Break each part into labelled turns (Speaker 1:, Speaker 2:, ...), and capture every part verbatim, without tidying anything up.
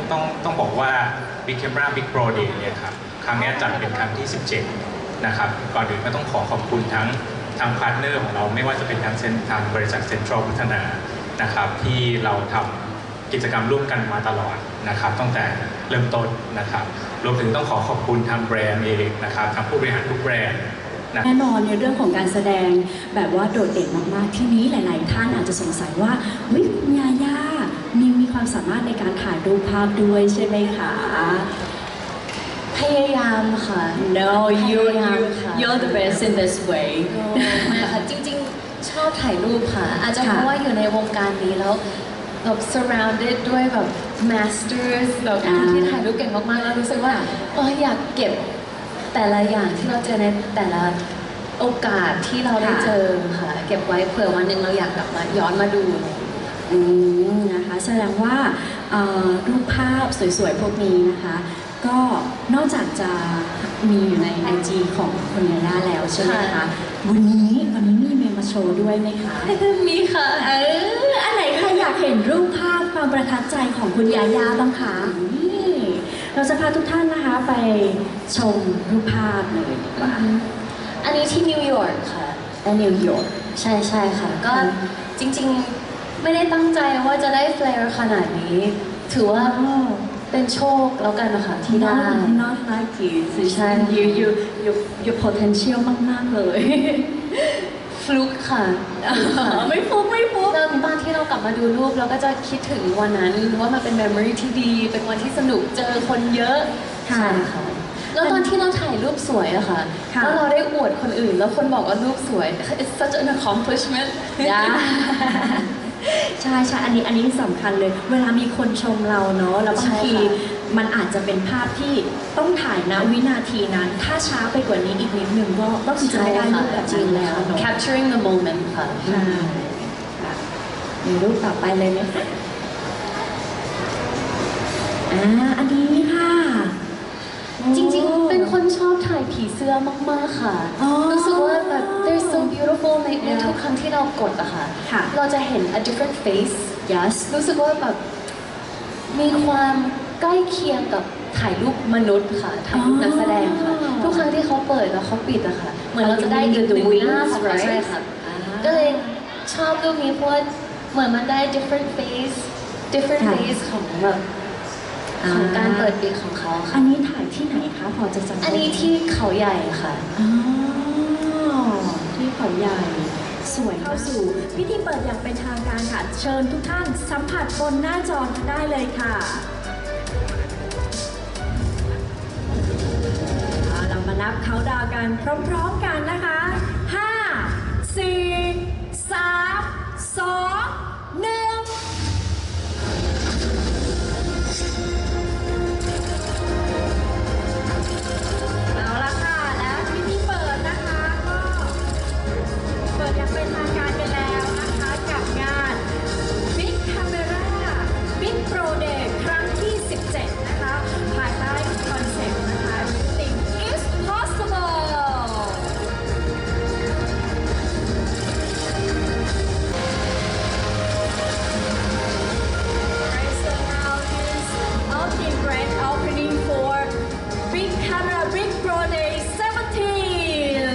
Speaker 1: ต้องต้องบอกว่า Big Camera Big Pro Day เนี่ยครับครั้งนี้จัดเป็นครั้งที่สิบเจ็ดนะครับก่อนอื่นก็ต้องขอขอบคุณทั้งทางพาร์ทเนอร์ของเราไม่ว่าจะเป็นทางเซ็นทางบริษัทเซ็นทรัลพัฒนานะครับที่เราทำกิจกรรมร่วมกันมาตลอดนะครับตั้งแต่เริ่มต้นนะครับรวมถึงต้องขอขอบคุณทางแบรนด์เองนะครับทางผู้บริหารทุกแบรนด์
Speaker 2: แน่นอนในเรื่องของการแสดงแบบว่าโดดเด่นมากๆที่นี้หลายๆท่านอาจจะสงสัยว่าวิคุณยาย่ามีมีความสามารถในการถ่ายรูปภาพด้วยใช่ไหมคะ
Speaker 3: พยายามค่ะ
Speaker 2: No you you're the best in this way
Speaker 3: ไม่ค่ะจริงๆชอบถ่ายรูปค่ะอาจจะเพราะว่าอยู่ในวงการนี้แล้วแบบ surrounded ด้วยแบบ masters แบบคนที่ถ่ายรูปเก่งมากๆแล้วรู้สึกว่าเอออยากเก็บแต่ละอย่างที่เราเจอในแต่ละโอกาสที่เราได้เจอค่ะเก็บไว้เผื่อวันหนึ่งเราอยากกลับมาย้อนมาดู
Speaker 2: อืมนะคะแสดงว่ารูปภาพสวยๆพวกนี้นะคะก็นอกจากจะมีอยู่ใน ไอ จี ของคุณยาย่าแล้วใช่ไหมคะวันนี้วันนี้มีเมมมาโชว์ด้วยไหมคะ
Speaker 3: มีค่ะ
Speaker 2: เอออันไหนใครอยากเห็นรูปภาพความประทับใจของคุณยาย่าบ้างคะนี่เราจะพาทุกท่านนะคะไปชมรูปภาพเลยดีกว่า
Speaker 3: อันนี้ที่นิวยอร์กค่ะ
Speaker 2: และนิวยอร์ก
Speaker 3: ใช่ใช่ค่ะก็จริงๆไม่ได้ตั้งใจว่าจะได้แฟลร์ขนาดนี้ถือว่าเป็นโชคแล้วกันนะคะที่ได้
Speaker 2: not like you ใช่ you you you you potential มากๆเลย
Speaker 3: ฟลุกค่ะ
Speaker 2: ไม่ฟุกไม่ฟุก
Speaker 3: ตอนที่เรากลับมาดูรูปเราก็จะคิดถึงวันนั้นว่ามันเป็น memory ที่ดีเป็นวันที่สนุกเจอคนเยอะใช่ค่ะแล้วตอนที่เราถ่ายรูปสวยอะค่ะแล้วเราได้อวดคนอื่นแล้วคนบอกว่ารูปสวย it's such an accomplishment
Speaker 2: ใช่ใช่อันนี้อันนี้สำคัญเลยเวลามีคนชมเราเนาะแล้วบางทีมันอาจจะเป็นภาพที่ต้องถ่ายณวินาทีนั้นถ้าช้าไปกว่านี้อีกนิดนึงก็ก็คือจะไม่ได้รูปแบบจริงแล้วเนาะ
Speaker 3: capturing the moment ค่ะ
Speaker 2: ใช่มีรูปต่อไปเลยไหมคะอ่าอันนี้ค่ะ
Speaker 3: จริงๆเป็นคนชอบถ่ายผีเสื้อมากๆค่ะรู้สึกว่าแบบ they're so beautiful ในในทุกครั้งที่เรากดอะค่ะเราจะเห็น a different face
Speaker 2: yes
Speaker 3: รู้สึกว่าแบบมีความใกล้เคียงกับถ่ายรูปมนุษย์ค่ะถ่ายรูปนักแสดงค่ะทุกครั้งที่เขาเปิดแล้วเขาปิดอะค่ะเหมือนเราจะได้อีกหนึ่งหน้าของเขาใช่ค่ะก็เลยชอบรูปนี้เพราะเหมือนมันได้ different face different face ของแบบของการเปิดปิดของเขาค่ะ
Speaker 2: อันนี้ถ่ายที่ไหนคะพอจะจำได้
Speaker 3: อันนี้ที่เขาใหญ่ค่ะ
Speaker 2: อ๋อที่เขาใหญ่สวยเข้าสู่พิธีเปิดอย่างเป็นทางการค่ะเชิญทุกท่านสัมผัสบนหน้าจอได้เลยค่ะเรามานับเขาดาวกันพร้อมๆกันนะคะห้า สี่ สาม สอง หนึ่งเอาละค่ะแล้วพิธีเปิดนะคะก็เปิดอย่างเป็นทางการกันแล้วนะคะกับงาน Big Camera Big Pro Day ครั้งที่สิบเจ็ดนะคะภายใต้คอนเซ็ปต์นะคะ Everything is possible Right, so now is opening grand opening for Big Camera Big Pro Day seventeen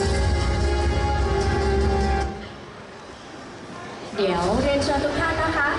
Speaker 2: เดี๋ยวเรียนเชิญทุกท่านนะคะ